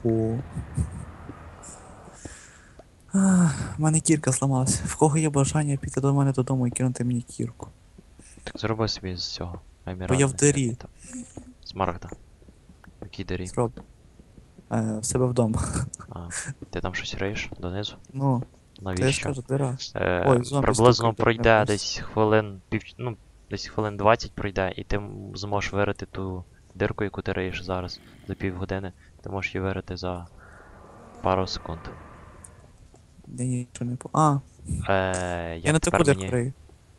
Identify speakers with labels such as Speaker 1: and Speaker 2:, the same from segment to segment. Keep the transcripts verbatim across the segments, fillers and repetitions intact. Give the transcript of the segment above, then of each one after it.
Speaker 1: О. У мене кірка зламалася. В кого є бажання піти до мене додому і кинути мені кірку?
Speaker 2: Так зроби собі з цього.
Speaker 1: Бо я в
Speaker 2: Еміральний
Speaker 1: дирі.
Speaker 2: всякий там. Смарагда. Який дирі?
Speaker 1: Зроб. Е, в себе вдома.
Speaker 2: А, ти там щось риєш донизу?
Speaker 1: Ну, то я ж
Speaker 2: Навіщо?
Speaker 1: кажу, дира.
Speaker 2: Е,
Speaker 1: Ой, зомбі
Speaker 2: приблизно
Speaker 1: стукають,
Speaker 2: пройде
Speaker 1: не
Speaker 2: десь хвилин пів, ну, десь хвилин двадцять пройде, і ти м- зможеш вирити ту дирку, яку ти риєш зараз за півгодини. Ти можеш її вирити за пару секунд.
Speaker 1: Я нічого не по. А,
Speaker 2: Е,
Speaker 1: я
Speaker 2: як
Speaker 1: на
Speaker 2: тепер
Speaker 1: таку
Speaker 2: мені.
Speaker 1: крию.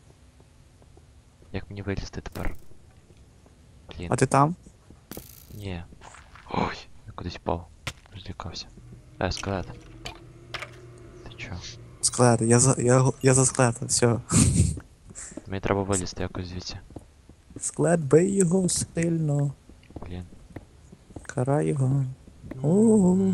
Speaker 2: Як мені вилізти тепер? Блін.
Speaker 1: А ти там?
Speaker 2: Ні. Ой, я кудись впав. Злякався. Е, скелет. Ти чо?
Speaker 1: Склет, я за. я, я за склета, все.
Speaker 2: Мені треба вилізти якось звідси.
Speaker 1: Склет, бий його сильно.
Speaker 2: Блін.
Speaker 1: Карай його. О.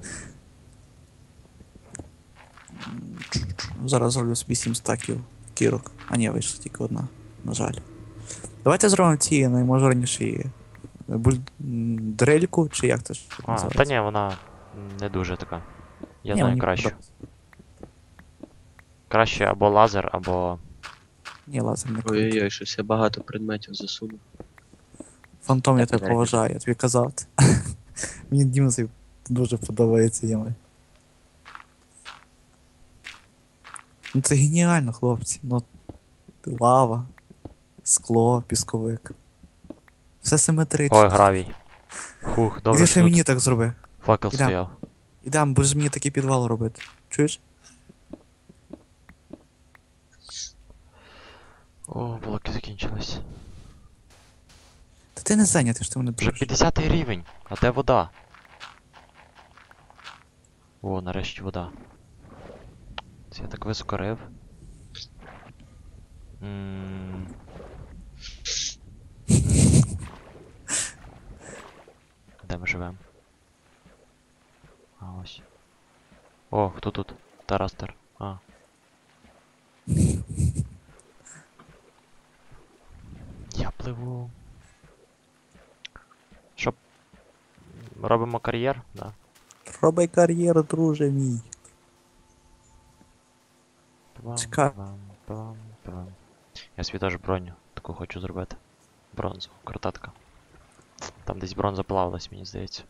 Speaker 1: Зараз зроблю собі сім стаків кірок. А ні, вийшла тільки одна, на жаль. Давайте зробимо ці найможливіші буль... м, дрельку, чи як це ж
Speaker 2: А,
Speaker 1: називається?
Speaker 2: та ні, вона не дуже така. Я
Speaker 1: Ні,
Speaker 2: знаю
Speaker 1: мені
Speaker 2: кращу.
Speaker 1: подобається.
Speaker 2: Краще або лазер, або.
Speaker 1: Ні, лазер не круто.
Speaker 3: Ой-ой-ой, щось я багато предметів засунув.
Speaker 1: Фантом, я
Speaker 3: Так,
Speaker 1: тебе
Speaker 3: так.
Speaker 1: поважаю, я тобі казав. Мені Дімсі дуже подобається ями. Ну це геніально, хлопці. Ну, лава, скло, пісковик. Все симетрично.
Speaker 2: Ой, гравій. Хух, добре,
Speaker 1: Іди
Speaker 2: що
Speaker 1: ще
Speaker 2: тут
Speaker 1: мені так зроби.
Speaker 2: факел
Speaker 1: Ідем.
Speaker 2: стояв.
Speaker 1: Ідем, будеш мені такий підвал робити. Чуєш?
Speaker 2: О, блоки закінчились.
Speaker 1: Та ти не зайнятий, що ти мене
Speaker 2: Вже
Speaker 1: дуриш.
Speaker 2: п'ятдесятий рівень, а де вода? О, нарешті вода. Це я так високо рив. М. Де ми живемо? А ось. О, хто тут? Тарастер. А. Я пливу. Що? Робимо кар'єр? Да.
Speaker 1: Роби кар'єру, друже мій.
Speaker 2: Плам,
Speaker 1: Чекай.
Speaker 2: плам, плам, плам. Я собі теж броню таку хочу зробити. Бронзу, крутатка. Там десь бронза плавалась, мені здається.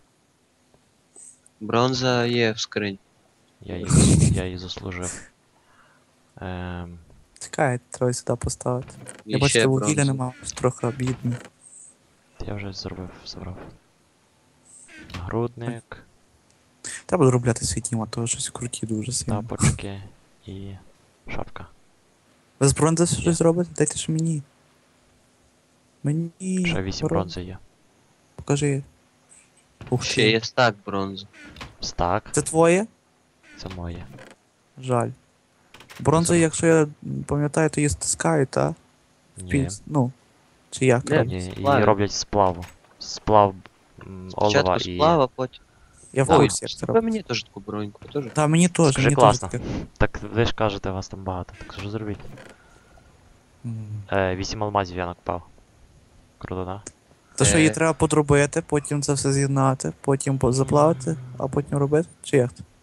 Speaker 3: Бронза є в скрині.
Speaker 2: Я її, зас- я її заслужив. Ем,
Speaker 1: Чекай, треба сюди поставити.
Speaker 3: І
Speaker 1: Я бачу,
Speaker 3: ще
Speaker 1: що вугілля
Speaker 3: бронза.
Speaker 1: нема, трохи бідний.
Speaker 2: я вже зробив, забрав. Нагрудник,
Speaker 1: Треба доробляти свій тім, а то щось круті дуже сильно.
Speaker 2: тапочки і шапка.
Speaker 1: Ви з бронзи
Speaker 2: Є.
Speaker 1: щось робите? Дайте ж мені. Мені.
Speaker 2: Ще вісім
Speaker 1: бро-
Speaker 2: бронзи є.
Speaker 1: Покажи. Ух
Speaker 3: Ще
Speaker 1: ти.
Speaker 3: є стак бронзи.
Speaker 2: Стак,
Speaker 1: Це твоє?
Speaker 2: це моє.
Speaker 1: Жаль. Бронзу,
Speaker 2: Це-
Speaker 1: якщо я пам'ятаю, то її стискають, та?
Speaker 2: Ні.
Speaker 1: Пільс- Ну. Чи як?
Speaker 3: Де?
Speaker 1: роблять?
Speaker 2: Ні, її
Speaker 3: Сплаві.
Speaker 2: роблять з сплаву. Сплав м, олова
Speaker 3: Спочатку
Speaker 2: і.
Speaker 3: сплава, потім.
Speaker 1: Я в
Speaker 2: Ой,
Speaker 1: курсі, як це
Speaker 3: Ви
Speaker 1: робить.
Speaker 3: мені теж таку броньку, теж.
Speaker 1: Та мені теж,
Speaker 2: Скажи,
Speaker 1: мені теж
Speaker 2: класно.
Speaker 1: таке.
Speaker 2: Так ви ж кажете, вас там багато, так що зробіть?
Speaker 1: М.
Speaker 2: Е, вісім алмазів я накопав. Круто, да?
Speaker 1: То що її
Speaker 3: Е.
Speaker 1: треба подробити, потім це все з'єднати, потім по- заплавити, а потім робити? Чи як? це?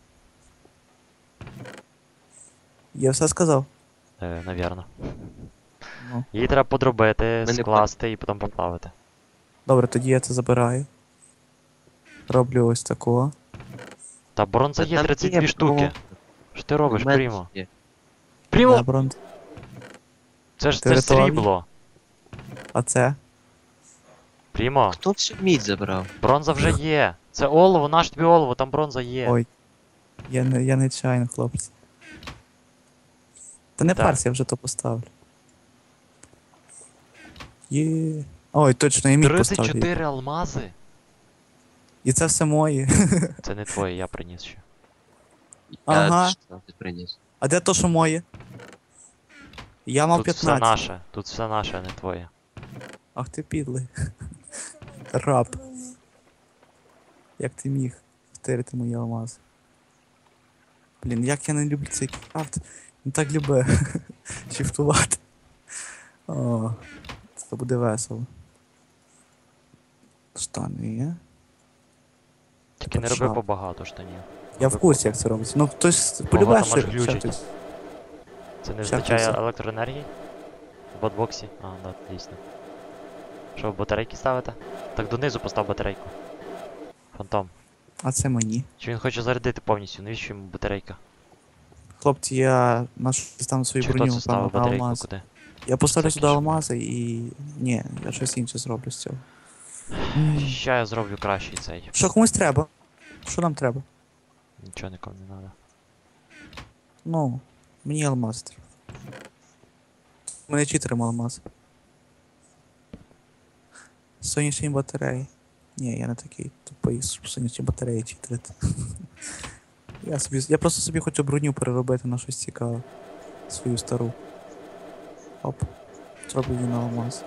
Speaker 1: Я все сказав.
Speaker 2: Е, навірно.
Speaker 1: Ну.
Speaker 2: Її треба подробити,
Speaker 3: Ми не
Speaker 2: скласти і потім поплавити.
Speaker 1: Добре, тоді я це забираю. Роблю ось такого.
Speaker 2: Та бронза
Speaker 3: Та
Speaker 2: є
Speaker 3: там
Speaker 2: тридцять
Speaker 3: є
Speaker 2: дві штуки.
Speaker 3: бронза.
Speaker 2: Що ти робиш,
Speaker 3: У мене
Speaker 2: Прімо?
Speaker 3: є.
Speaker 2: Прімо!
Speaker 1: Да, бронз.
Speaker 2: Це ж
Speaker 1: Ти
Speaker 2: це ж
Speaker 1: рятував
Speaker 2: срібло.
Speaker 1: А це?
Speaker 2: Прімо,
Speaker 3: Хто всю мідь забрав?
Speaker 2: бронза вже є. Це олово, наш тобі олово, там бронза є.
Speaker 1: Ой. Я не, я не чайно, хлопці. Та не
Speaker 2: Так.
Speaker 1: парся, я вже то поставлю. Є. Ой, точно, я міг
Speaker 2: тридцять
Speaker 1: поставлю.
Speaker 2: чотири алмази?
Speaker 1: І це все моє.
Speaker 2: Це не твоє, я приніс ще.
Speaker 1: Ага.
Speaker 3: Я що ти приніс.
Speaker 1: А де то, що моє? Я мав
Speaker 2: Тут все
Speaker 1: п'ятнадцять.
Speaker 2: наше, тут все наше, а не твоє.
Speaker 1: Ах ти підлий. Раб. Як ти міг втерти мої алмази? Блін, як я не люблю цей крафт. Він так любить шифтувати. О, це буде весело. Штани є.
Speaker 2: Тільки не роби побагато штанів.
Speaker 1: Я в курсі, як це робиться. Ну, хтось полюбляє,
Speaker 2: може
Speaker 1: ще
Speaker 2: глючить.
Speaker 1: хтось.
Speaker 2: Це не
Speaker 1: Ще
Speaker 2: вистачає
Speaker 1: хтось.
Speaker 2: електроенергії? В батбоксі? А, да, дійсно. Що, батарейки ставити? Так донизу постав батарейку. Фантом.
Speaker 1: А це мені.
Speaker 2: Чи він хоче зарядити повністю? Навіщо йому батарейка?
Speaker 1: Хлопці, я нашу стану свою
Speaker 2: Чи хто
Speaker 1: броню,
Speaker 2: це ставив
Speaker 1: напевно, на
Speaker 2: батарейку
Speaker 1: алмаз.
Speaker 2: куди?
Speaker 1: Я поставлю
Speaker 2: Це
Speaker 1: сюди
Speaker 2: кіш.
Speaker 1: алмази і. Ні, я щось інше зроблю з цього. М.
Speaker 2: Ща я зроблю кращий цей.
Speaker 1: Що комусь треба? Що нам треба?
Speaker 2: Нічого нікому не треба.
Speaker 1: Ну, мені алмаз треба. У мене читеримо алмаз. Сонячні батареї. Ні, я не такий тупий, щоб сонячні батареї читерити. Я собі. Я просто собі хочу броню переробити на щось цікаве. Свою стару. Оп. Зроблю її на алмаз.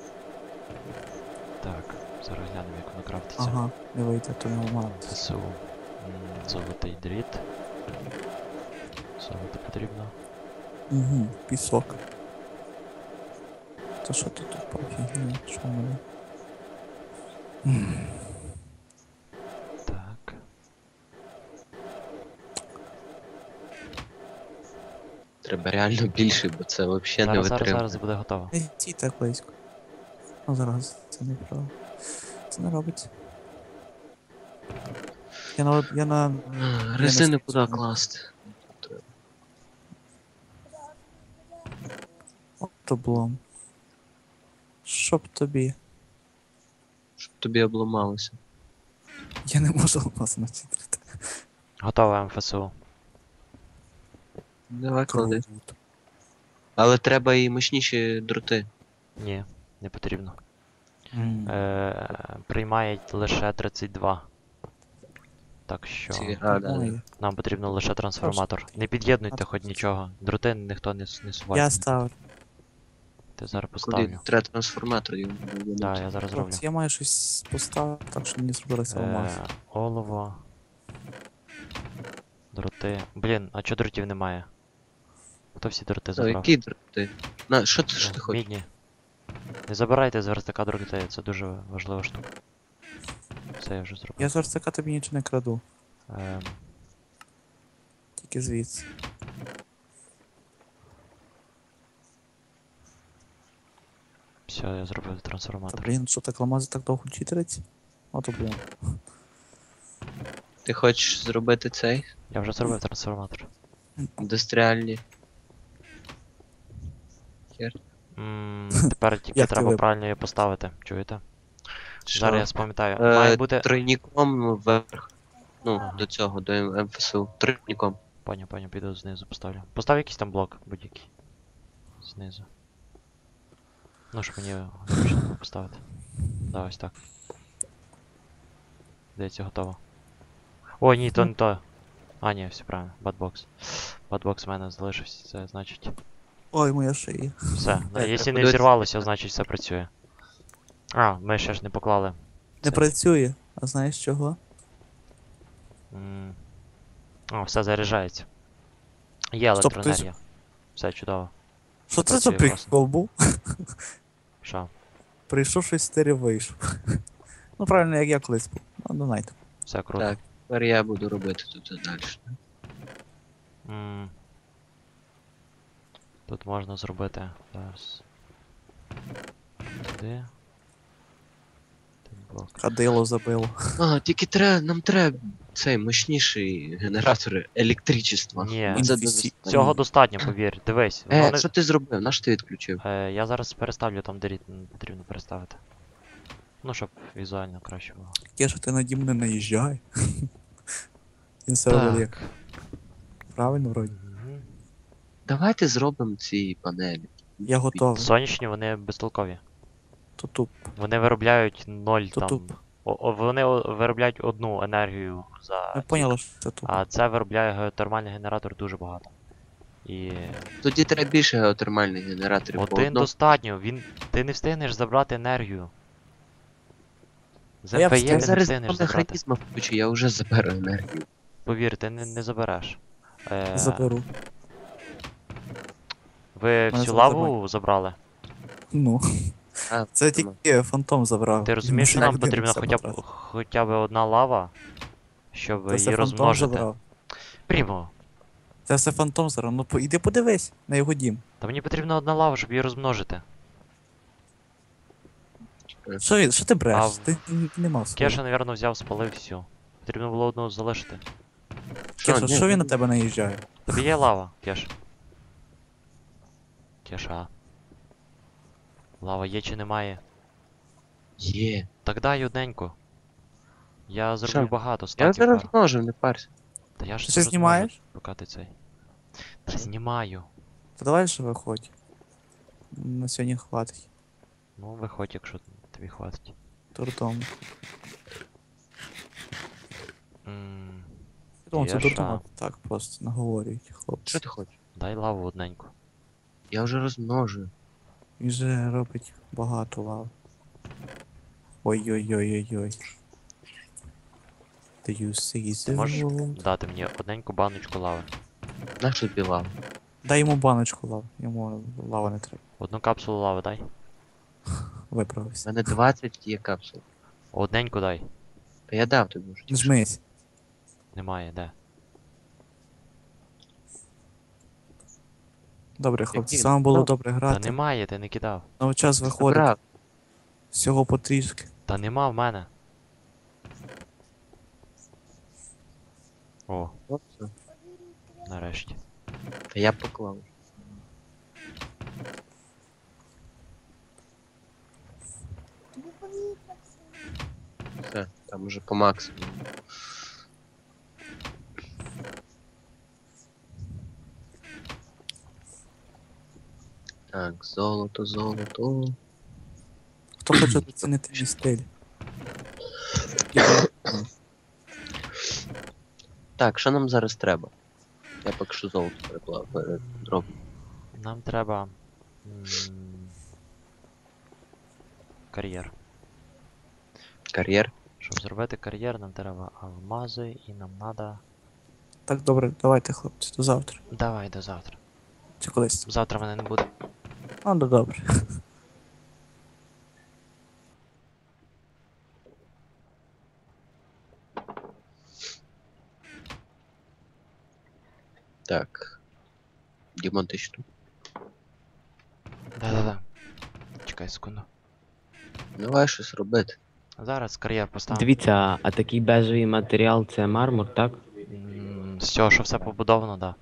Speaker 2: Так, зараз глянемо, як воно крафтиться.
Speaker 1: Ага, не вийде, то не алмаз.
Speaker 2: ЗСУ. М, Золотий дріт. Золото потрібно.
Speaker 1: Угу, пісок. То що тут тут пофігня? Що в мене? М.
Speaker 2: Так.
Speaker 3: Треба реально більше, бо це взагалі не
Speaker 2: Зараз, зараз,
Speaker 3: витримує.
Speaker 2: зараз буде готово.
Speaker 1: Не ті так близько. Ну зараз це не правда. Це не робиться. Я на я на.
Speaker 3: А, Резини
Speaker 1: не
Speaker 3: куди
Speaker 1: знаю.
Speaker 3: класти?
Speaker 1: Облом. Щоб тобі.
Speaker 3: Щоб тобі обламалося.
Speaker 1: Я не можу алмаз начитрити.
Speaker 2: Готове МФСУ.
Speaker 3: Давай клади. Але треба і мощніші дроти.
Speaker 2: Ні, не потрібно.
Speaker 1: М.
Speaker 2: Е, приймає лише тридцять два. Так що
Speaker 3: Ці, а, да, да.
Speaker 1: Ой,
Speaker 2: нам потрібно лише трансформатор. Не під'єднуйте хоч нічого. Дроти ніхто не, с- не суває.
Speaker 1: Я ставлю.
Speaker 2: Ти зараз
Speaker 3: Куди?
Speaker 2: поставлю.
Speaker 3: Треба трансформатор йому.
Speaker 2: Так, я зараз зроблю.
Speaker 1: Хлопці, я маю щось поставити, так що мені зробилося алмаз.
Speaker 2: Е, олово. Дроти. Блін, а чого дротів немає? Хто всі дроти
Speaker 3: Та,
Speaker 2: забрав?
Speaker 3: які дроти? На, що ти, що
Speaker 2: О,
Speaker 3: ти хочеш?
Speaker 2: Мідні. Не забирайте з верстака дроти, це дуже важлива штука. Все, я вже зробив.
Speaker 1: Я з верстака тобі нічого не краду.
Speaker 2: Ем,
Speaker 1: Тільки звідси.
Speaker 2: все, я зробив
Speaker 1: Та
Speaker 2: трансформатор.
Speaker 1: блін, що так алмази так довго читерить? Ото блін.
Speaker 3: Ти хочеш зробити цей?
Speaker 2: Я вже зробив трансформатор.
Speaker 3: Індустріальні. Хер.
Speaker 2: М, Тепер тільки
Speaker 1: Як ти
Speaker 2: треба
Speaker 1: вибрав?
Speaker 2: правильно її поставити. Чуєте?
Speaker 3: Що?
Speaker 2: Зараз я спам'ятаю.
Speaker 3: Е,
Speaker 2: Має бути.
Speaker 3: Тройніком вверх. Ну,
Speaker 2: Ага.
Speaker 3: до цього, до М- МФСУ. Тройніком.
Speaker 2: Поняв, поняв, піду знизу поставлю. Постав якийсь там блок будь-який. Знизу. Ну, щоб мені зручно було поставити. Да, ось так. Здається, готово. О, ні, то не то. А, ні, все правильно. Бадбокс. Бадбокс в мене залишився, це значить.
Speaker 1: Ой, моя шия.
Speaker 2: Все. Ну,
Speaker 3: Так,
Speaker 2: якщо
Speaker 3: так,
Speaker 2: не
Speaker 3: подивись.
Speaker 2: зірвалося, значить все працює. А, ми ще ж не поклали.
Speaker 1: Не
Speaker 2: Це.
Speaker 1: працює. А знаєш чого?
Speaker 2: М. О, все заряджається. Є
Speaker 1: Стоп,
Speaker 2: електроенергія. Все чудово.
Speaker 1: Що це за
Speaker 2: працює класно.
Speaker 1: прикол був?
Speaker 2: Що?
Speaker 1: Прийшов щось стері вийшов. Ну правильно, як я колись був. Ну, донайте.
Speaker 2: Все круто.
Speaker 3: Так, тепер я буду робити тут далі.
Speaker 2: М. Тут можна зробити. Зараз. Туди. Тут блок.
Speaker 1: Кадило забило.
Speaker 3: А, тільки треба, нам треба цей мощніший генератор електричества.
Speaker 2: Ні.
Speaker 3: Оце
Speaker 1: Інфісі-
Speaker 3: достатньо.
Speaker 2: Цього достатньо, повір. Дивись. Воно
Speaker 3: Е,
Speaker 2: не...
Speaker 3: що ти зробив? Наш ти відключив?
Speaker 2: е, я зараз переставлю там, де рід м, потрібно переставити. Ну, щоб візуально краще було.
Speaker 1: Яке ж ти наді мене наїжджай. Він все робить як правильно вроді.
Speaker 2: Мгм.
Speaker 3: Давайте зробимо ці панелі.
Speaker 1: Я готовий.
Speaker 2: Сонячні, вони безтолкові.
Speaker 1: То туп.
Speaker 2: Вони виробляють ноль
Speaker 1: То
Speaker 2: там.
Speaker 1: туп.
Speaker 2: О, о, вони о- виробляють одну енергію за.
Speaker 1: Ми поняли, що це туп.
Speaker 2: А це виробляє геотермальний генератор дуже багато. І
Speaker 3: Тоді треба більше геотермальних генераторів. по
Speaker 2: один
Speaker 3: одному.
Speaker 2: достатньо, він. Ти не встигнеш забрати енергію. З
Speaker 1: А я
Speaker 2: МПЄ
Speaker 1: встиг.
Speaker 2: ти
Speaker 3: Я
Speaker 2: не
Speaker 3: зараз
Speaker 2: встигнеш
Speaker 3: два
Speaker 2: забрати.
Speaker 3: механізма включу, я вже заберу енергію.
Speaker 2: Повір, ти не, не забереш. Е,
Speaker 1: Заберу.
Speaker 2: Ви
Speaker 1: Мене
Speaker 2: всю
Speaker 1: зараз
Speaker 2: лаву забрали?
Speaker 1: Ну.
Speaker 3: А,
Speaker 1: Це
Speaker 3: тому.
Speaker 1: тільки фантом забрав.
Speaker 2: Ти розумієш, що
Speaker 1: Він
Speaker 2: нам
Speaker 1: людина
Speaker 2: потрібно
Speaker 1: все
Speaker 2: хоча б,
Speaker 1: потратив.
Speaker 2: хоча б одна лава, щоб
Speaker 1: Це все
Speaker 2: її
Speaker 1: фантом
Speaker 2: розмножити.
Speaker 1: забрав.
Speaker 2: Прімо,
Speaker 1: Це все фантом забрав. Ну по- іди подивись на його дім.
Speaker 2: та мені потрібна одна лава, щоб її розмножити.
Speaker 1: Що, він- що ти бреш?
Speaker 2: А в-
Speaker 1: Ти н- не мав свого.
Speaker 2: Кеша, напевно, взяв, спалив всю. Потрібно було одну залишити.
Speaker 3: Що,
Speaker 1: Кеша,
Speaker 3: ні,
Speaker 1: що він на
Speaker 3: ні.
Speaker 1: тебе наїжджає?
Speaker 2: Тобі є лава, Кеш. Кеша. Лава є чи немає?
Speaker 3: Є.
Speaker 2: Так дай одненьку. Я зроблю
Speaker 3: Що?
Speaker 2: багато,
Speaker 3: Я
Speaker 2: стаків
Speaker 3: зараз
Speaker 2: пару.
Speaker 3: можу, не парся.
Speaker 2: Та я ж
Speaker 1: Ти
Speaker 2: це
Speaker 1: ще знімаєш?
Speaker 2: Поки ти цей. Та знімаю.
Speaker 1: Та давай же виходь. На сьогодні хватить.
Speaker 2: Ну, виходь, якщо тобі хватить.
Speaker 1: Дурдом.
Speaker 2: М,
Speaker 1: Я думав, це
Speaker 2: Є
Speaker 1: дурдом,
Speaker 2: ша.
Speaker 1: а так просто наговорюють хлопці.
Speaker 3: Що ти хочеш?
Speaker 2: Дай лаву одненьку.
Speaker 3: Я вже розмножую.
Speaker 1: Він же робить багато лав. Ой-ой-ой-ой-ой. Do you see
Speaker 2: Ти
Speaker 1: the
Speaker 2: можеш
Speaker 1: world?
Speaker 2: дати мені одненьку баночку лави.
Speaker 3: Нащо тобі лава?
Speaker 1: Дай йому баночку лав. Йому лава не треба.
Speaker 2: Одну капсулу лави дай.
Speaker 3: У
Speaker 1: Виправився.
Speaker 3: мене двадцять є капсул.
Speaker 2: Одненьку дай.
Speaker 3: Та я дав тобі вже.
Speaker 1: Не жмись.
Speaker 2: Немає, де?
Speaker 1: Добре, хлопці,
Speaker 3: Які?
Speaker 1: саме було
Speaker 3: Ну,
Speaker 1: добре
Speaker 2: Та
Speaker 1: грати.
Speaker 2: немає, ти не кидав.
Speaker 1: Ну, час виходить.
Speaker 3: Забрав.
Speaker 1: Всього потрішки.
Speaker 2: Та нема в мене. О,
Speaker 3: От все.
Speaker 2: нарешті.
Speaker 3: Та я поклав. Все, там уже по максимуму. Так, золото, золото.
Speaker 1: Хто хоче оцінити мій стиль?
Speaker 3: Так, що нам зараз треба? Я поки що золото переклав, передроблю.
Speaker 2: Нам треба. м, Кар'єр.
Speaker 3: Кар'єр.
Speaker 2: Щоб зробити кар'єр, нам треба алмази і нам треба.
Speaker 1: Так, добре, давайте, хлопці, до завтра.
Speaker 2: Давай до завтра.
Speaker 1: Чи колись?
Speaker 2: Завтра мене не буде.
Speaker 1: А, ну добре.
Speaker 3: Так. Дімон, ти що?
Speaker 2: Да-да-да. Чекай секунду.
Speaker 3: Давай щось робити.
Speaker 2: Зараз кар'єр поставимо.
Speaker 4: Дивіться, а такий бежевий матеріал це мармур, так?
Speaker 2: М, З цього, що все побудовано, да.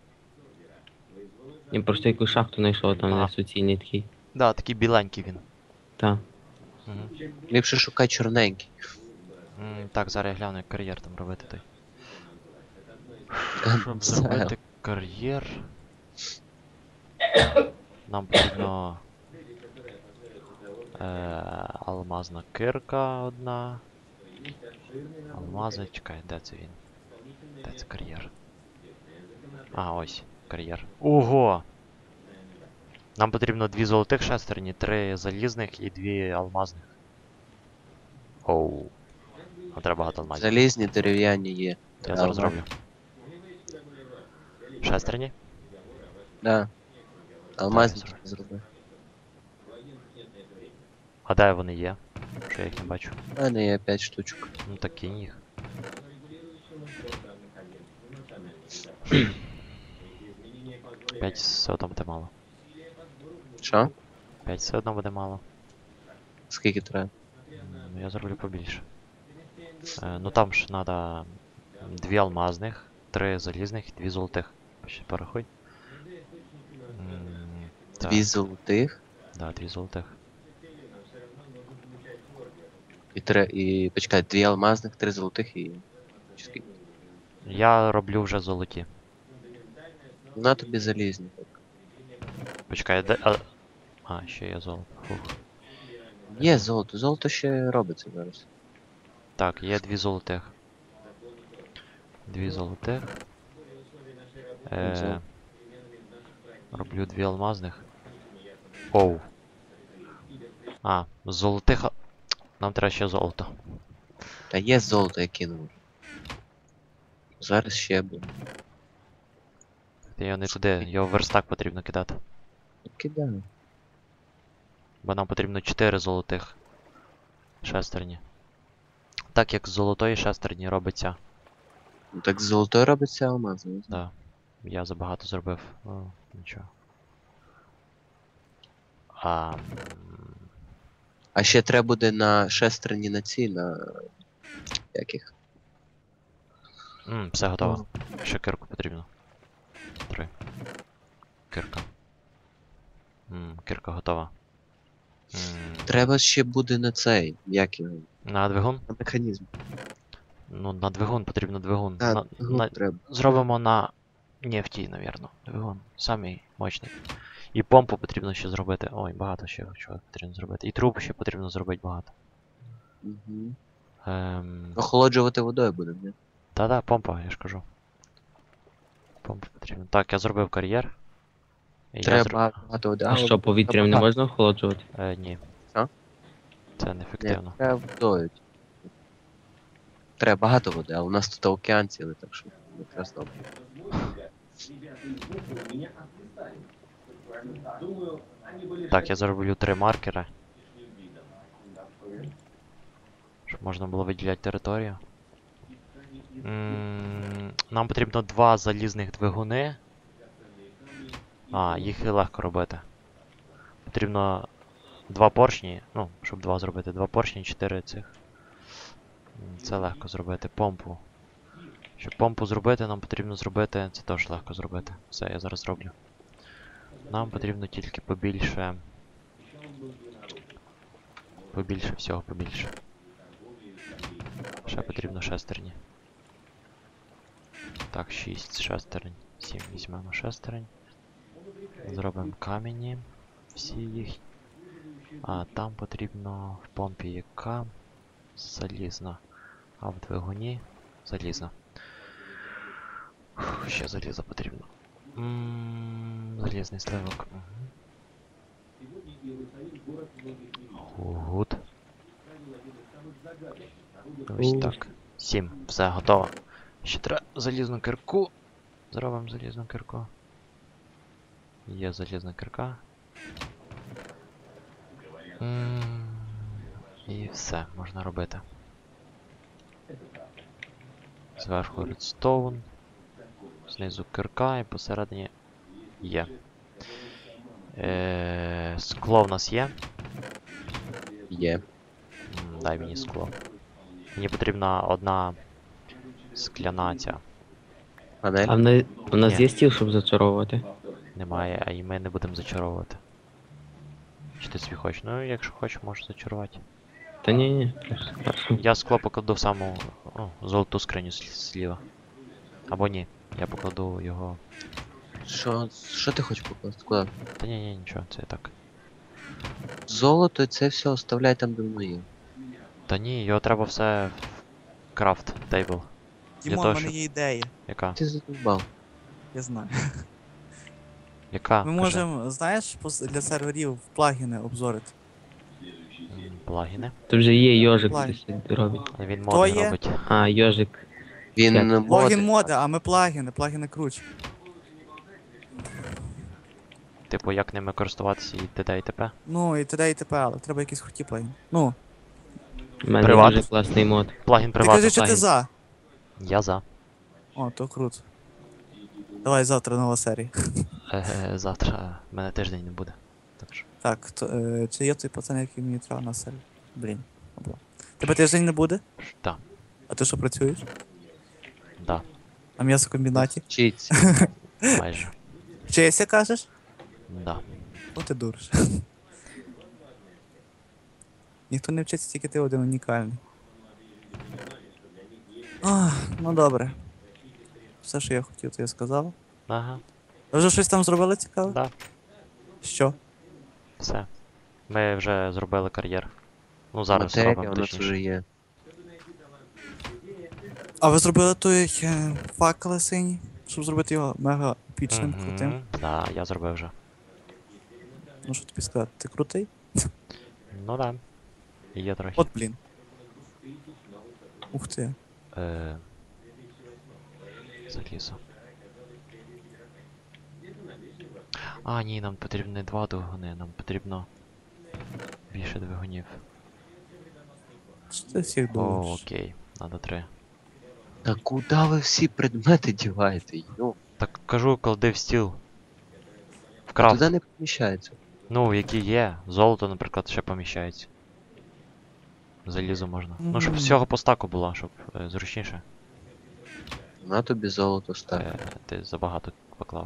Speaker 4: Я просто якусь шахту знайшов, там
Speaker 2: Ага.
Speaker 4: не суцільний такий.
Speaker 2: Да, такий біленький він.
Speaker 4: Так.
Speaker 2: Мгм.
Speaker 3: Ліпше шукай чорненький.
Speaker 2: М, Так, зараз я гляну, як кар'єр там робити той. Щоб
Speaker 3: Все.
Speaker 2: зробити кар'єр. Нам потрібно. Е, алмазна кирка одна. Алмази, чекай, де це він? Де це кар'єр? А, ось, кар'єр. Ого! Нам потрібно дві золотих шестерні, три залізних і дві алмазних. Оу. Нам треба багато алмазів.
Speaker 3: Залізні дерев'яні є.
Speaker 2: Я зараз зроблю. Шестерні?
Speaker 3: Да. Алмазні
Speaker 2: Так, я
Speaker 3: зроби.
Speaker 2: А де вони є? Що я їх не бачу.
Speaker 3: У мене є п'ять штучок.
Speaker 2: Ну так кинь їх. П'ять все одно буде мало.
Speaker 3: Що?
Speaker 2: П'ять все одно буде мало.
Speaker 3: Скільки треба?
Speaker 2: Ну я зроблю побільше. Е, ну там ж треба дві алмазних, три залізних і дві золотих. Ще порахуй. М, так,
Speaker 3: Дві золотих
Speaker 2: Да, дві золотих.
Speaker 3: і три. І почекай, дві алмазних, три золотих і. Чи скільки?
Speaker 2: Я роблю вже золоті.
Speaker 3: На тобі залізні. Так.
Speaker 2: Почекай, де. А, а ще є золото. Фух.
Speaker 3: Є золото, золото ще робиться зараз.
Speaker 2: Так, є дві золотих. Дві золотих. Е,
Speaker 3: Золото.
Speaker 2: роблю дві алмазних. Оу. А, золотих. а- Нам треба ще золото.
Speaker 3: Та є золото, я кинув. Зараз ще буде.
Speaker 2: Я його не туди, його в верстак потрібно кидати.
Speaker 3: Кидаю.
Speaker 2: Бо нам потрібно чотири золотих шестерні. Так як з золотої шестерні робиться
Speaker 3: Ну так з золотою робиться алмаз. не знаю.
Speaker 2: Да. Я забагато зробив. О, нічого. А, м,
Speaker 3: А ще треба буде на шестерні на ці, на яких.
Speaker 2: м, все готово. Ще кирку потрібно. Три. Кирка. М, кирка готова. М,
Speaker 3: Треба ще буде на цей, як його,
Speaker 2: на двигун?
Speaker 3: на механізм.
Speaker 2: Ну, на двигун потрібно двигун.
Speaker 3: А,
Speaker 2: на,
Speaker 3: двигун
Speaker 2: на,
Speaker 3: треба.
Speaker 2: зробимо на нефті, навірно. Двигун. Самий мощний. І помпу потрібно ще зробити. Ой, багато ще чого потрібно зробити. І труб ще потрібно зробити багато.
Speaker 3: Угу.
Speaker 2: Ем...
Speaker 3: Охолоджувати водою будемо, не?
Speaker 2: Та-да, помпа, я ж кажу. Помпа потрібна. Так, я зробив кар'єр. І я
Speaker 3: Треба
Speaker 2: зро-
Speaker 3: багато води.
Speaker 4: А що, повітрям не
Speaker 3: багато.
Speaker 4: можна охолоджувати?
Speaker 2: Е, ні.
Speaker 3: Що?
Speaker 2: Це
Speaker 3: Ні,
Speaker 2: неефективно.
Speaker 3: треба водою. Треба багато води, але у нас тут океан цілий, так що якраз добре.
Speaker 2: Так, я зроблю три маркери. Щоб можна було виділяти територію. М, Нам потрібно два залізних двигуни. А, їх і легко робити. Потрібно два поршні. Ну, щоб два зробити. Два поршні, чотири цих. М, Це легко зробити. Помпу. Щоб помпу зробити, нам потрібно зробити. Це теж легко зробити. Все, я зараз зроблю. Нам потрібно тільки побільше. Побільше всього, побільше. Ще потрібно шестерні. Так, шість шестерень. сім візьмемо шестерень. Зробимо камені. Всі їх. А там потрібно в помпі яка залізна. А в двигуні залізна. Фух, ще заліза потрібно. М, Залізний сливок. Угу. Гуд. Ось
Speaker 4: Ух.
Speaker 2: так. Сім. Все, готово. Ще треба залізну кирку. Зробимо залізну кирку. Є залізна кирка. М, І все, можна робити. Зверху редстоун. Знизу кирка і посередині є. Е, Скло в нас є.
Speaker 3: Є.
Speaker 2: М, Дай мені скло. Мені потрібна одна скляна ця.
Speaker 3: Панель.
Speaker 4: А в нас, у нас
Speaker 2: Ні.
Speaker 4: є стіл, щоб зачаровувати?
Speaker 2: Немає, а і ми не будемо зачаровувати. Чи ти собі хочеш? Ну, якщо хочеш, можеш зачарувати.
Speaker 4: Та ні, ні. Хорошо.
Speaker 2: Я скло покладу в саму о, золоту скриню слі- зліва. Або ні. Я покладу його.
Speaker 3: Що, що ти хочеш покласти? Куди?
Speaker 2: Та ні, ні, нічого, це так.
Speaker 3: Золото, це все оставляй там, де воно є.
Speaker 2: Та ні, його треба все в крафт тейбл.
Speaker 1: Дімон,
Speaker 2: того,
Speaker 1: в мене
Speaker 2: щоб-
Speaker 1: є ідея.
Speaker 2: Яка?
Speaker 3: Ти задовбав.
Speaker 1: Я знаю.
Speaker 2: Яка?
Speaker 1: Ми
Speaker 2: Кажи.
Speaker 1: можемо, знаєш, пос- для серверів плагіни обзорити.
Speaker 2: М, Плагіни.
Speaker 4: Тут вже є йожик,
Speaker 1: Лаги.
Speaker 4: хтось робить.
Speaker 2: Але він
Speaker 1: Хто
Speaker 2: моди
Speaker 1: є?
Speaker 2: робить.
Speaker 4: А, йожик.
Speaker 3: Він
Speaker 4: Як?
Speaker 3: моди.
Speaker 1: Логін моди, а ми плагіни, плагіни круче.
Speaker 2: Типу, як ними користуватися і т.д. і т.п.
Speaker 1: Ну і т.д. і т.п., але треба якісь круті плагіни. Ну,
Speaker 4: У мене
Speaker 2: Приват.
Speaker 4: дуже класний мод.
Speaker 2: Плагін
Speaker 1: ти
Speaker 2: приватний
Speaker 1: кажи, що ти
Speaker 2: плагін.
Speaker 1: за.
Speaker 2: Я за.
Speaker 1: О, то круто. Давай завтра нова серія.
Speaker 2: Е, завтра в мене тиждень не буде. Так що.
Speaker 1: Так, то, е, чи є той пацан, який мені треба на серію? Блін. або. Тебе тиждень не буде?
Speaker 2: Да,
Speaker 1: А ти що працюєш?
Speaker 2: да,
Speaker 1: На м'ясокомбінаті?
Speaker 3: Вчиться.
Speaker 2: майже.
Speaker 1: Вчишся, кажеш?
Speaker 2: Да.
Speaker 1: Ну ти дуриш. Ніхто не вчиться, тільки ти один унікальний. Ах, ну добре. Все, що я хотів, то я сказав.
Speaker 2: Ага,
Speaker 1: Ви вже щось там зробили цікаве?
Speaker 2: да,
Speaker 1: Що?
Speaker 2: все. Ми вже зробили кар'єр. Ну, зараз
Speaker 3: Матерія
Speaker 2: зробимо
Speaker 3: у нас
Speaker 2: точніше.
Speaker 3: вже є.
Speaker 1: А ви зробили той е, факели синій, щоб зробити його мега епічним, крутим?
Speaker 2: Мгм, да, я зробив вже.
Speaker 1: Ну що тобі сказати, ти крутий?
Speaker 2: Ну да. Є трохи.
Speaker 1: От блін. Ух ти.
Speaker 2: Е... Залізо. А, ні, нам потрібно не два двигуни, нам потрібно більше двигунів.
Speaker 1: Що ти всіх
Speaker 2: О,
Speaker 1: думаєш?
Speaker 2: окей, надо три.
Speaker 3: Та куди ви всі предмети діваєте? Йо,
Speaker 2: Так кажу, клади в стіл. В
Speaker 3: а
Speaker 2: крафт.
Speaker 3: туди не поміщається.
Speaker 2: Ну, які є. Золото, наприклад, ще поміщається. Залізо можна. Ну, щоб
Speaker 1: Мгм.
Speaker 2: всього по стаку було, щоб е, зручніше.
Speaker 3: На тобі золото став.
Speaker 2: Е, ти забагато поклав.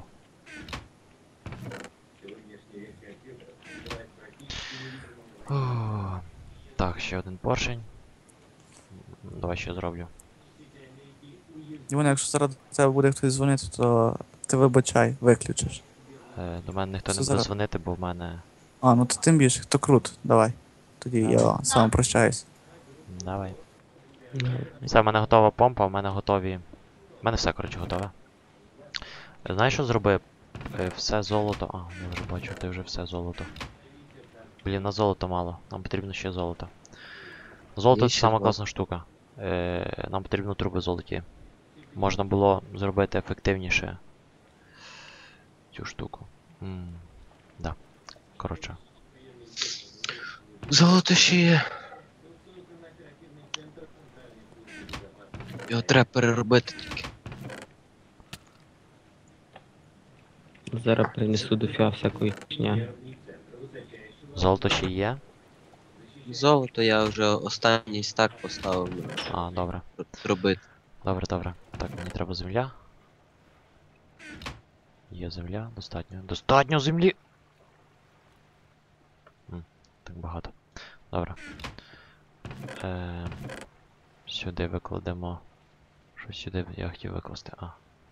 Speaker 2: О, так, ще один поршень. М, Давай ще зроблю.
Speaker 1: Дімон, якщо зараз до тебе буде хтось дзвонити, то ти вибачай, виключиш.
Speaker 2: Е, до мене ніхто
Speaker 1: Все
Speaker 2: не буде
Speaker 1: зараз.
Speaker 2: дзвонити, бо в мене.
Speaker 1: А, ну то тим більше, то круто, давай. Тоді я
Speaker 2: Давай.
Speaker 1: з вами прощаюсь.
Speaker 2: Давай. Все, в мене готова помпа, в мене готові. В мене все, коротше, готове. Е, Знаєш, що зроби? Е, Все золото. А, я вже бачу, ти вже все золото. Блін, на золото мало. Нам потрібно ще золото. Золото
Speaker 3: Є
Speaker 2: це
Speaker 3: ще
Speaker 2: сама
Speaker 3: золото.
Speaker 2: класна штука. Е, нам потрібно труби золоті. Можна було зробити ефективніше цю штуку. М, да. Коротше.
Speaker 3: Золото ще є. Його треба переробити тільки.
Speaker 4: Зараз принесу до фіа всякої хня.
Speaker 2: Золото ще є?
Speaker 3: Золото я вже останній стак поставив
Speaker 2: А, добре.
Speaker 3: робити.
Speaker 2: Добре, добре. Так, мені треба земля. Є земля, достатньо. Достатньо землі! М, так багато. Добре. Е, сюди викладемо. Що сюди я хотів викласти? А.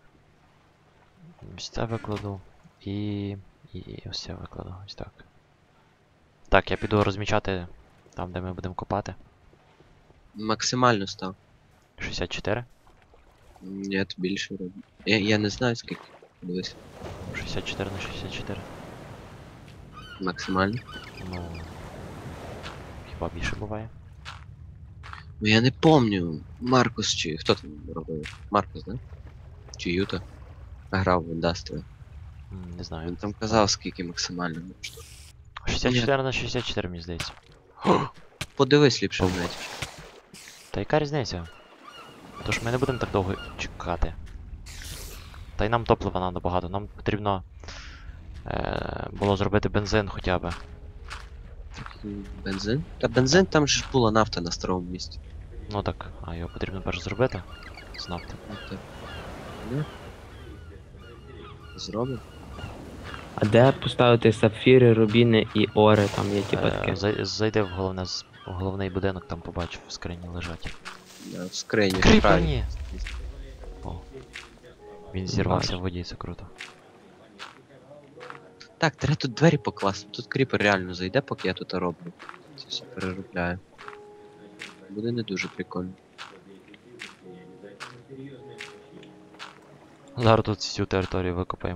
Speaker 2: Ось це викладу. І. І ось це викладу. Ось так. Так, я піду розмічати там, де ми будемо копати.
Speaker 3: Максимально став.
Speaker 2: шістдесят чотири.
Speaker 3: Ні, більше роблю. Я, я не знаю скільки. Дивись.
Speaker 2: шістдесят чотири на шістдесят чотири.
Speaker 3: Максимально.
Speaker 2: Ну. Хіба більше буває?
Speaker 3: Ну я не помню. Маркус чи хто там робив? Маркус, да? Чи Юта? Грав в Industrial.
Speaker 2: М, Не знаю.
Speaker 3: Він там казав, скільки максимально можна.
Speaker 2: шістдесят чотири на шістдесят чотири, мені здається.
Speaker 3: Подивись ліпше в неті.
Speaker 2: Та яка різниця? Тож ми не будемо так довго чекати. Та й нам топлива треба багато. Нам потрібно е, було зробити бензин хоча б.
Speaker 3: М, Бензин? Та бензин там же ж була нафта на старому місці.
Speaker 2: Ну так, а його потрібно перш зробити. З нафти.
Speaker 3: Ну, так. Ну. Зробимо.
Speaker 4: А де поставити сапфіри, рубіни і ори, там є типа
Speaker 2: Е,
Speaker 4: таке.
Speaker 2: зай- зайди в головне з- в головний будинок, там побачив, в скрині лежать.
Speaker 3: Да, в скрині. вправі.
Speaker 2: Кріплені! О. Він зірвався в
Speaker 4: Бачу.
Speaker 2: воді, це круто.
Speaker 3: Так, треба тут двері покласти. Тут кріпер реально зайде, поки я тут роблю. Це все переробляю. Буде не дуже прикольно.
Speaker 2: Зараз тут всю територію викопаємо.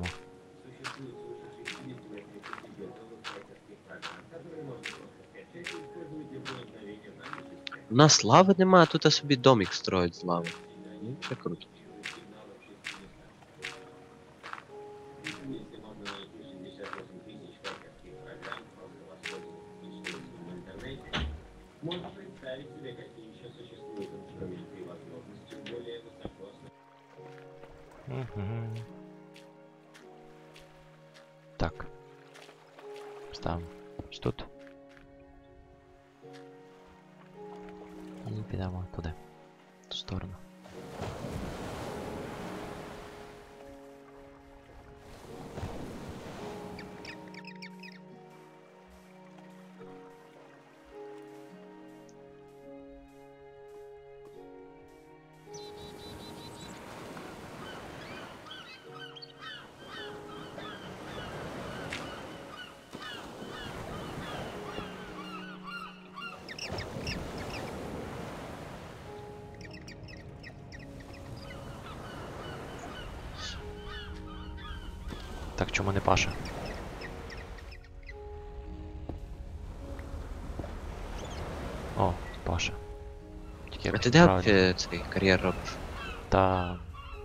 Speaker 3: У нас лави немає, а тут собі домик строїть з лави. Ну, ще круто.
Speaker 2: Мгм. Так. Ставимо ось тут. І підемо туди. В ту сторону. Так, чому не паша? О, паша. Тільки
Speaker 3: А
Speaker 2: як
Speaker 3: ти де
Speaker 2: правильно.
Speaker 3: е, цей кар'єр робиш?
Speaker 2: Та.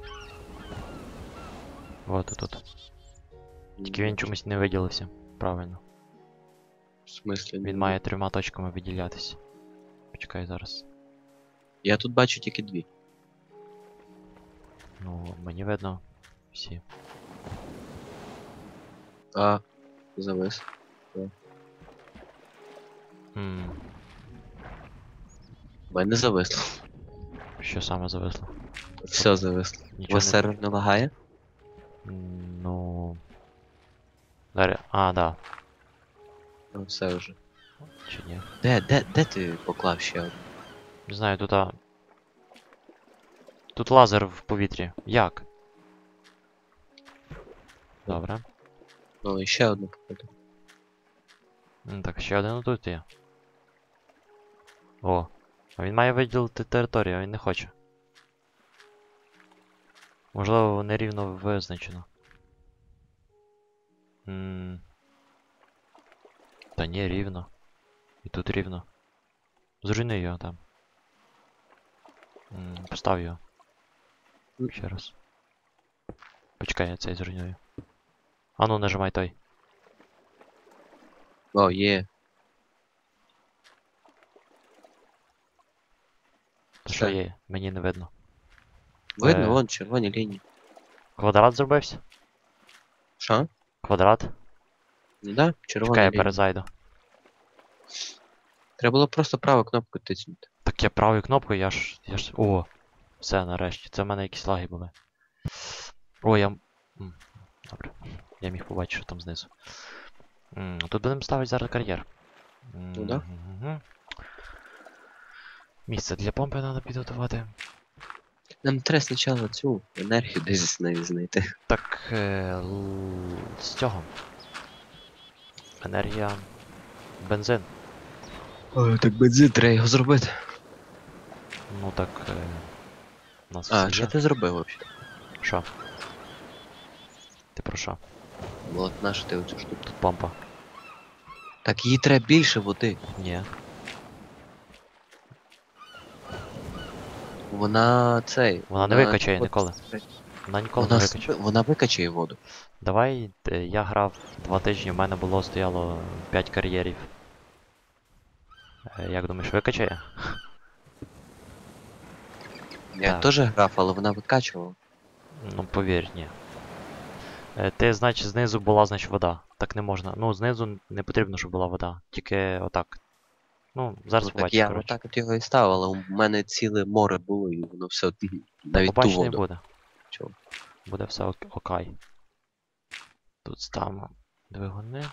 Speaker 2: Вот тут. Тільки він чомусь не виділився. Правильно.
Speaker 3: В смислі?
Speaker 2: Він має трьома точками виділятися. Почекай зараз.
Speaker 3: Я тут бачу тільки дві.
Speaker 2: Ну, мені видно. Всі.
Speaker 3: А, завис.
Speaker 2: М,
Speaker 3: У мене зависло.
Speaker 2: Що саме зависло?
Speaker 3: Все зависло. У
Speaker 2: Нічого
Speaker 3: вас
Speaker 2: не...
Speaker 3: сервер не лагає?
Speaker 2: М, Ну... Дар'я... А, да.
Speaker 3: Ну, все вже.
Speaker 2: Чи ні?
Speaker 3: Де, де, де ти поклав ще одну?
Speaker 2: Не знаю, тут а... Тут лазер в повітрі. Як? Добре.
Speaker 3: Ну, і ще одну походу.
Speaker 2: М, Так, ще один тут є. О. А він має виділити територію, а він не хоче. Можливо, нерівно визначено. М. Та ні, рівно. І тут рівно. Зруйни його там. М, Постав його. Ще раз. Почекай, я цей зруйную. А ну, нажимай той.
Speaker 3: О, є.
Speaker 2: Та що
Speaker 3: Все.
Speaker 2: є? Мені не видно.
Speaker 3: Видно,
Speaker 2: Е.
Speaker 3: вон червоні лінії.
Speaker 2: Квадрат зробився?
Speaker 3: Що?
Speaker 2: Квадрат?
Speaker 3: Ну да, червоні
Speaker 2: Чекай, я
Speaker 3: лінії.
Speaker 2: перезайду.
Speaker 3: Треба було просто праву кнопку тиснути.
Speaker 2: Так я правою кнопкою, я ж. я ж. О! Все, нарешті. Це в мене якісь лаги були. О, я. М, Добре. Я міг побачити, що там знизу. М, Тут будемо ставити зараз кар'єр.
Speaker 3: Ну да.
Speaker 2: Мгм. Місце для помпи треба підготувати.
Speaker 3: Нам треба спочатку цю енергію десь з нею знайти.
Speaker 2: Так. Е, л- з цього. Енергія. Бензин.
Speaker 3: Ой, так бензин, треба його зробити.
Speaker 2: Ну так. Е, у нас
Speaker 3: А,
Speaker 2: всі
Speaker 3: що
Speaker 2: є.
Speaker 3: ти зробив взагалі?
Speaker 2: Що? Ти про що?
Speaker 3: От наша ти оцю штуку.
Speaker 2: Тут помпа.
Speaker 3: Так їй треба більше води.
Speaker 2: Ні.
Speaker 3: Вона цей.
Speaker 2: Вона не викачає ніколи. Вона ніколи
Speaker 3: Вона,
Speaker 2: не
Speaker 3: с-
Speaker 2: викачає.
Speaker 3: вона викачає воду.
Speaker 2: Давай, е, я грав два тижні, в мене було стояло п'ять кар'єрів. Е, Як думаєш, викачає?
Speaker 3: Я
Speaker 2: Так.
Speaker 3: теж грав, але вона викачувала.
Speaker 2: Ну, повір, ні. Е, Ти, значить, знизу була, значить, вода. Так не можна. Ну, знизу не потрібно, щоб була вода. Тільки отак. Ну, зараз
Speaker 3: Ну, так
Speaker 2: побачиш,
Speaker 3: я
Speaker 2: коротше.
Speaker 3: отак от його і ставив, але у мене ціле море було і воно все
Speaker 2: Та
Speaker 3: навіть ту
Speaker 2: побачиш, не
Speaker 3: воду.
Speaker 2: буде.
Speaker 3: Чого?
Speaker 2: Буде все ок- окей. Тут ставимо двигуни.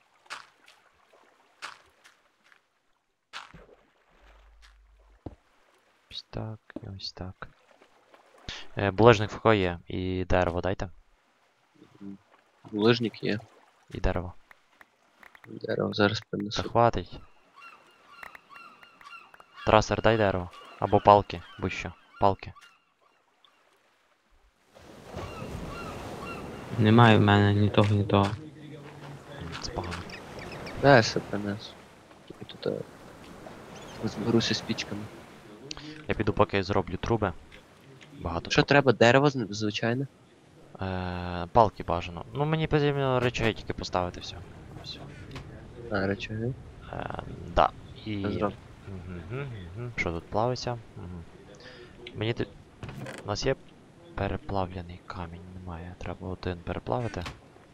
Speaker 2: Ось так, і ось так. Е, булежник в кого є. І дерево дайте.
Speaker 3: Лижник є.
Speaker 2: І дерево.
Speaker 3: Дерево зараз
Speaker 2: Та
Speaker 3: принесу.
Speaker 2: хватить. Трасер, дай дерево. Або палки, будь-що. Палки.
Speaker 4: Немає в мене ні того, ні того.
Speaker 2: М, Це погано.
Speaker 3: Да, я все принесу. Тільки тут е, розберуся з пічками.
Speaker 2: Я піду поки зроблю труби. Багато
Speaker 3: Що
Speaker 2: труб.
Speaker 3: треба? Дерево з- звичайне?
Speaker 2: Е, палки бажано. Ну мені потрібно речей тільки поставити все. Все.
Speaker 3: А, речові.
Speaker 2: Е, да. І.
Speaker 3: Зроб.
Speaker 2: Мгм, мгм. Що тут плавиться? Мгм. Мені тут. У нас є переплавлений камінь, немає. Треба один переплавити.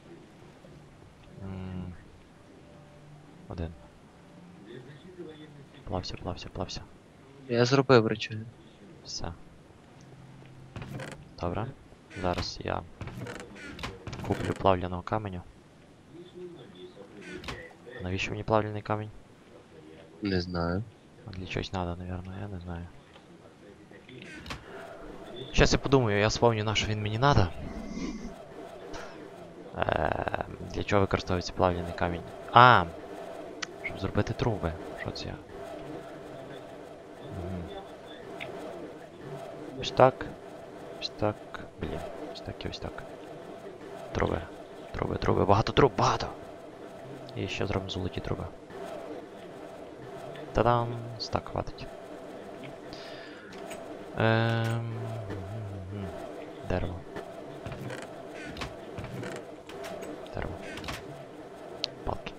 Speaker 2: М, Один. Плався, плався, плався.
Speaker 3: Я зробив речові.
Speaker 2: Все. Добре. Зараз я куплю плавляного каменю. Навіщо мені плавляний камінь?
Speaker 3: Не знаю.
Speaker 2: Для чогось надо, наверное, я не знаю. Сейчас я подумаю, я вспомню, на що він мені надо. Е, Для чого використовується плавляний камінь? А! Щоб зробити труби. Що це я? Мгм. Ось так. Ось так. Блін. Ось так і ось так. Труби. Труби, труби. Багато труб, багато! І ще зробимо золоті труби. Та-дам! Так, хватить. Ем... мгм. Дерево. Дерево. Палки.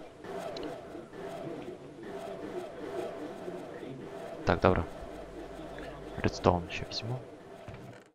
Speaker 2: Так, добре. Редстоун ще візьму.